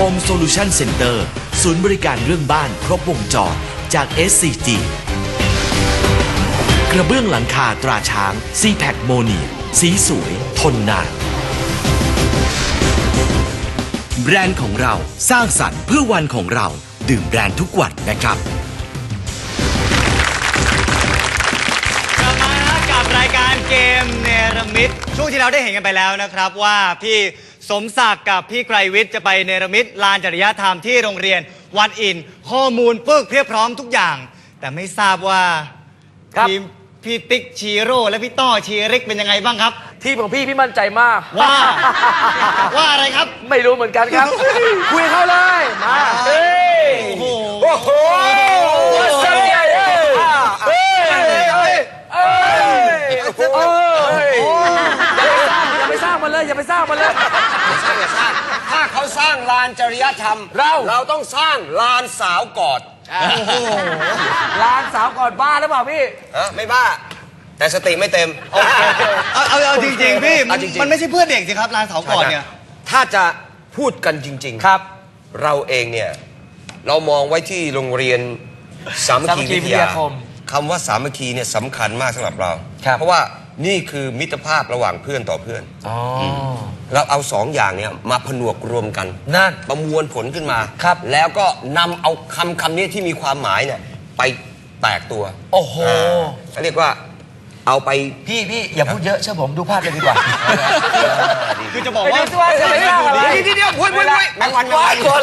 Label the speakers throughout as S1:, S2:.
S1: Home Solution Center ศูนย์บริการเรื่องบ้านครบวงจรจาก SCG กระเบื้องหลังคาตราช้าง CPAC โมเนียสีสวยทนนานแบรนด์ของเราสร้างสรรค์เพื่อวันของเราดื่มแบรนด์ทุกวันนะครับ
S2: กลับมากับรายการเกมเนรมิตช่วงที่เราได้เห็นกันไปแล้วนะครับว่าพี่สมศักดิ์กับพี่ไกรวิทย์จะไปเนรมิตลานจริยธรรมที่โรงเรียนวัดอินข้อมูลปึกเพียบพร้อมทุกอย่างแต่ไม่ทราบว่าทีมพี่ติ๊กชีโร่และพี่ต้อชีริกเป็นยังไงบ้างครับ
S3: ทีมของพี่มั่นใจมาก
S2: ว่าอะไรครับ
S3: ไม่รู้เหมือนกันครับคุยเข้าเลยมาโอ้โหสักใหญ่อย่าไปสร้างมันเลยอย่าไปสร้างมันเลย
S4: อย่าสร้างถ้าเขาสร้างลานจริยธรรมเราต้องสร้างลานสาวกอด
S3: ลานสาวกอดบ้าหรือเปล่าพี่
S4: ไม่บ้าแต่สติไม่เต็ม
S2: เอาจริงๆพี่มันไม่ใช่เพื่อเด็กสิครับลานสาวกอดเนี่ย
S4: ถ้าจะพูดกันจริงๆ
S3: ครับ
S4: เราเองเนี่ยเรามองไว้ที่โรงเรียนสามัคคีวิทยาคมคำว่าสามัคคีเนี่ยสำคัญมากสำหรับเราเพราะว่านี่คือมิตรภาพระหว่างเพื่อนต่อเพื่อนเราเอาสองอย่างเนี่ยมาผนวกรวมกัน
S3: นั่น
S4: ประมวลผลขึ้นมาครับแล้วก็นำเอาคำนี้ที่มีความหมายเนี่ยไปแตกตัว
S3: โอ้โห
S4: เรียกว่าเอาไป
S3: พี่อย่าพูดเยอะเชื่อผมดูภาพเลยดีกว่า
S2: คือจะบอกว่า
S3: จะไม่ได้อะไร
S4: ที่เดียวพูดแมงวัน
S3: คน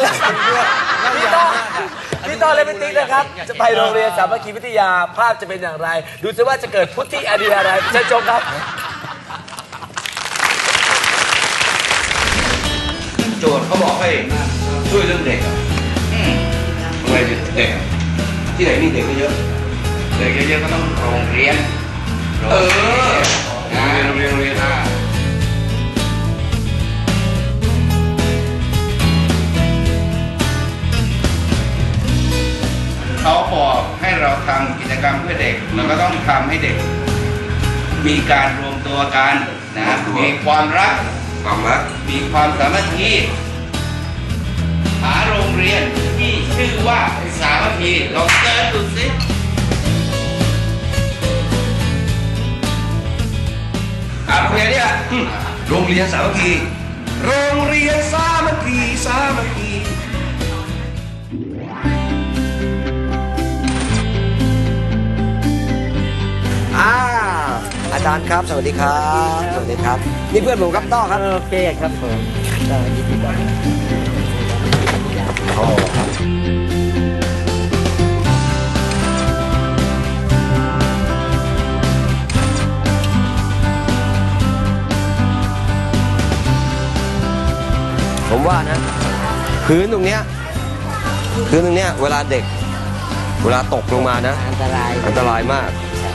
S3: พี่ต้อเลยเป็นติ๊กนะครับจะไปโรงเรียนสามัคคีวิทยาภาพจะเป็นอย่างไรดูซิว่าจะเกิดพุทธิอดีตอะไรเชิญชมครับ
S5: โจทย์เขาบอกให้ช่วยเรื่องเด็กอะไรเด็กที่ไหนมีเด็กเยอะเด็กเยอะก็ต้องโรงเรียนโรงเรียนเขาบอกให้เราทำกิจกรรมเพื่อเด็กเราก็ต้องทำให้เด็กมีการรวมตัวกันนะมีความรักมีความสามัคคีหาโรงเรียนที่ชื่อว่าสามัคคีลองเสิร์ชดูสิโรงเรียนเนี่ยโรงเรียนสามัคคี
S4: โรงเรียนสามัคคีอาจารย์ครับสวัสดีครับสวัสดีครับนี่เพื่อนผมครับต้อครับ
S3: โอเคครับผมยินดีต้อนรับ
S4: ผมว่านะพื้นตรงเนี้ยเวลาเด็กเวลาตกลงมานะอันตรายมาก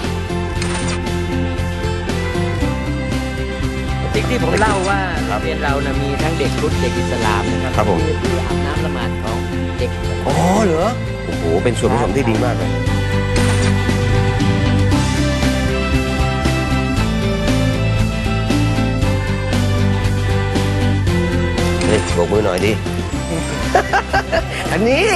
S3: ที่ผมเล่าว่าโรงเรียนเรานะมีทั้งเด็กพุทธเด็กอิสลามนะครับที่อาบน้ำละหมาดของเด็ก
S4: อ๋อเหรอโอ้โหเป็นส่วนผสมที่ดีมากเลยนี่โบกมือหน่อยดิอันนี้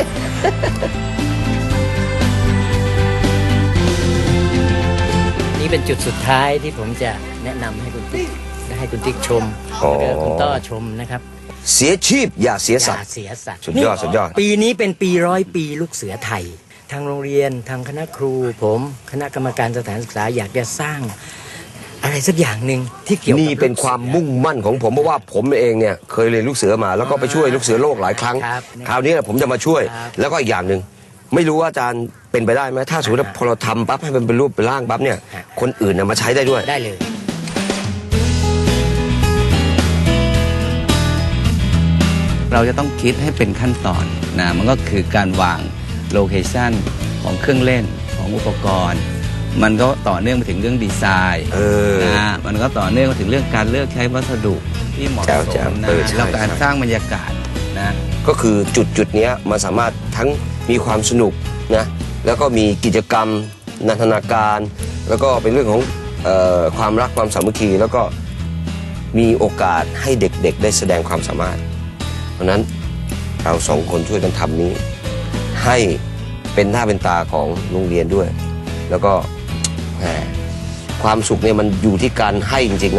S3: นี่เป็นจุดสุดท้ายที่ผมจะแนะนำให้คุณติ๊กชมคุณต้อชมนะครับ
S4: เสียชีพอย่าเสียสัตว์สุดยอด
S3: ปีนี้เป็นปี100 ปีลูกเสือไทยทางโรงเรียนทางคณะครูผมคณะกรรมการสถานศึกษาอยากจะสร้างอะไรสักอย่างหนึ่งที่เกี่ยวกับ
S4: นี่เป็นความมุ่งมั่นของผมเพราะว่าผมเองเนี่ยเคยเรียนลูกเสือมาแล้วก็ไปช่วยลูกเสือโลกหลายครั้งคราวนี้ผมจะมาช่วยแล้วก็อีกอย่างหนึ่งไม่รู้ว่าอาจารย์เป็นไปได้ไหมถ้าสมมติพอเราทำปั๊บให้มันเป็นรูปเป็นร่างปั๊บเนี่ยคนอื่นมาใช้ได้ด้วย
S3: ได้เลย
S6: เราจะต้องคิดให้เป็นขั้นตอนนะมันก็คือการวางโลเคชันของเครื่องเล่นของอุปกรณ์มันก็ต่อเนื่องไปถึงเรื่องดีไซน์นะมันก็ต่อเนื่องไปถึงเรื่องการเลือกใช้วัสดุที่เหมาะสมนะแล้วการสร้างบรรยากาศนะ
S4: ก็คือจุดนี้มันสามารถทั้งมีความสนุกนะแล้วก็มีกิจกรรมนันทนาการแล้วก็เป็นเรื่องของความรักความสามัคคีแล้วก็มีโอกาสให้เด็กๆได้แสดงความสามารถเพราะนั้นเราสองคนช่วยกันทำนี้ ให้เป็นหน้าเป็นตาของโรงเรียนด้วย แล้วก็แหมความสุขเนี่ยมันอยู่ที่การให้จริงๆนะ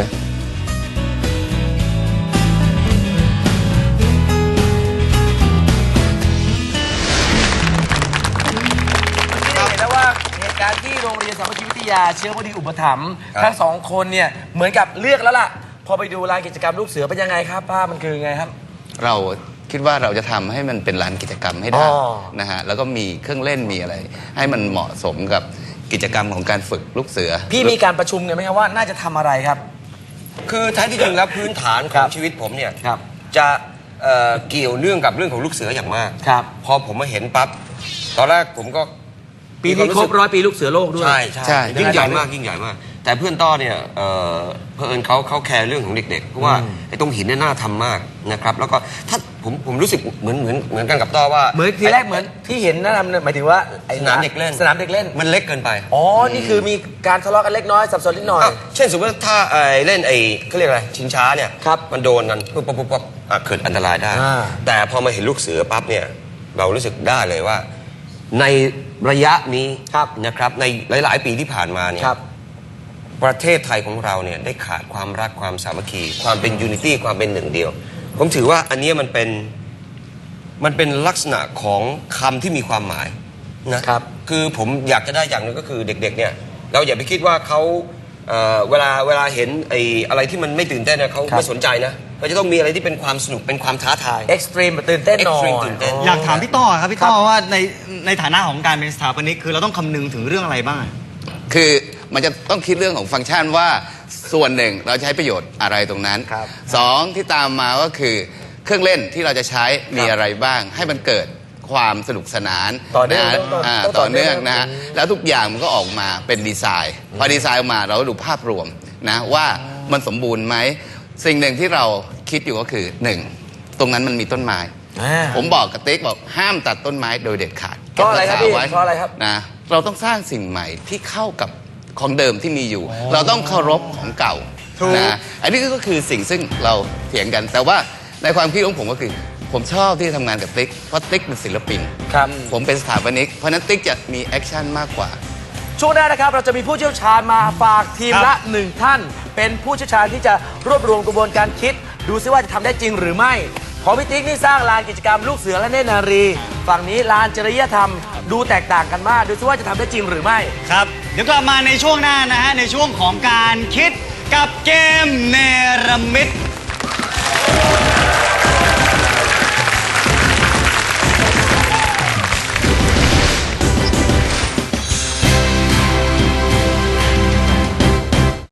S7: เห็นแล้วว่าเหตุการณ์ที่โรงเรียนสามัคคีวิทยาเชื้อพอดีอุปถัมภ์
S4: ครับ
S7: ทั้งสองคนเนี่ยเหมือนกับเลือกแล้วล่ะ พอไปดูลานกิจกรรมลูกเสือเป็นยังไงครับภาพมันคือไงครับ
S6: เราคิดว่าเราจะทำให้มันเป็นลานกิจกรรมให้ได้
S7: อ๋อ
S6: นะฮะแล้วก็มีเครื่องเล่นมีอะไร ให้มันเหมาะสมกับกิจกรรมของการฝึกลูกเสือ
S7: พี่มีการประชุมกันไหมครับว่าน่าจะทำอะไรครับ
S4: คือแท้ที่จริงแล้วพื้นฐานข
S7: ครั
S4: อง
S7: บ
S4: ชีวิตผมเนี่ย
S7: ครับ
S4: จะเกี่ยวเนื่องกับเรื่องของลูกเสืออย่างมาก
S7: ครับ
S4: พอผมมาเห็นปั๊บตอนแรกผมก็
S7: ปีนี้ครบ100 ปีลูกเสือโลกด้วย
S4: ใช่
S6: ใช่
S4: ยิ่งใหญ่มากยิ่งใหญ่มาก แต่เพื่อนต้อเนี่ยเพื่อนเขาแคร์เรื่องของเด็กๆเพราะว่าไอ้ตรงหินเนี่ยน่าทำมากนะครับแล้วก็ถ้าผมรู้สึกเหมือนกันกับต้อว่า
S7: เหมือนทีแรกเหมือนที่เห็นนั่นหมายถึงว่าไอ้
S4: สนามเด็กเล่น
S7: สนามเด็กเล่น
S4: มันเล็กเกินไป
S7: อ๋อ นี่คือมีการทะเลาะกันเล็กน้อยสับสนนิดหน่อย
S4: อ้าวเช่นสมมติว่าถ้าเล่นเขาเรียกอะไรชิงช้าเนี่ย
S7: ครับ
S4: มันโดนกันปุ๊บเกิดอันตรายได้
S7: อ่า
S4: แต่พอมาเห็นลูกเสือปั๊บเนี่ยเรารู้สึกได้เลยว่า ในระยะนี้นะครับในหลายๆ ปีที่ผ่านมาเนี่ย
S7: ครับ
S4: ประเทศไทยของเราเนี่ยได้ขาดความรักความสามัคคีความเป็นยูนิตี้ความเป็นหนึ่งเดียว ผมถือว่าอันเนี้ยมันเป็นลักษณะของคำที่มีความหมายนะครับ คือผมอยากจะได้อย่างหนึงก็คือเด็กๆเนี่ยเราอย่าไปคิดว่าเขาเวลาเห็นอะไรที่มันไม่ตื่นเต้นเนี่ยเขาไม่สนใจนะเราจะต้องมีอะไรที่เป็นความสนุกเป็นความท้าทาย
S7: เอ็กซ์ตรีมตื่นเต้นหน่อย
S4: Extreme ตื่นเต้น
S2: อยากถามพี่ต้อครับพี่ต้อว่าในฐานะของการเป็นสถาปนิกคือเราต้องคำนึงถึงเรื่องอะไรบ้าง
S6: คือมันจะต้องคิดเรื่องของฟังก์ชันว่าส่วนหนึ่งเราใช้ประโยชน์อะไรตรงนั้น
S7: ครับ
S6: สองที่ตามมาก็คือเครื่องเล่นที่เราจะใช้มีอะไรบ้าง ให้มันเกิดความสนุกสนาน
S7: ต่อเนื่อง
S6: นะ
S7: ต้อง
S6: ต่อเนื่อง
S7: ต่อเนื่อง
S6: นะฮะแล้วทุกอย่างมันก็ออกมาเป็นดีไซน์พอดีไซน์ออกมาเราก็ดูภาพรวมนะว่ามันสมบูรณ์ไหมสิ่งหนึ่งที่เราคิดอยู่ก็คือหนึ่งตรงนั้นมันมีต้นไม้ ผมบอกกับติ๊กบอกห้ามตัดต้นไม้โดยเด็ดขาด
S7: เพราะอะไรครับพี่
S6: ก็ษาไว้
S7: เพราะอะไรครับ
S6: นะเราต้องสร้างสิ่งใหม่ที่เข้ากับของเดิมที่มีอยู่ เราต้องเคารพของเก่า
S2: ถูก
S6: นะอันนี้ก็คือสิ่งซึ่งเราเถียงกัน แต่ว่าในความคิดของผมก็คือ ผมชอบที่ทำงานกับติ๊กเพราะติ๊กเป็นศิลปิน
S7: ครับ
S6: ผมเป็นสถาปนิกเพราะฉะนั้นติ๊กจะมีแอคชั่นมากกว่า
S7: ช่วงหน้านะครับเราจะมีผู้เชี่ยวชาญมาฝากทีม
S2: ครั
S7: ละ
S2: บ
S7: 1 ท่าน เป็นผู้เชี่ยวชาญที่จะรวบรวมกระบวนการคิด ดูซิว่าจะทำได้จริงหรือไม่ของพี่ติ๊กนี่สร้างลานกิจกรรมลูกเสือและเนตรนารี ฝั่งนี้ลานจริยธรรมดูแตกต่างกันมาก ดูซิว่าจะทำได้จริงหรือไม่
S2: ครับ เดี๋ยวกลับมาในช่วงหน้านะฮะในช่วงของการคิดกับเกมเนรมิต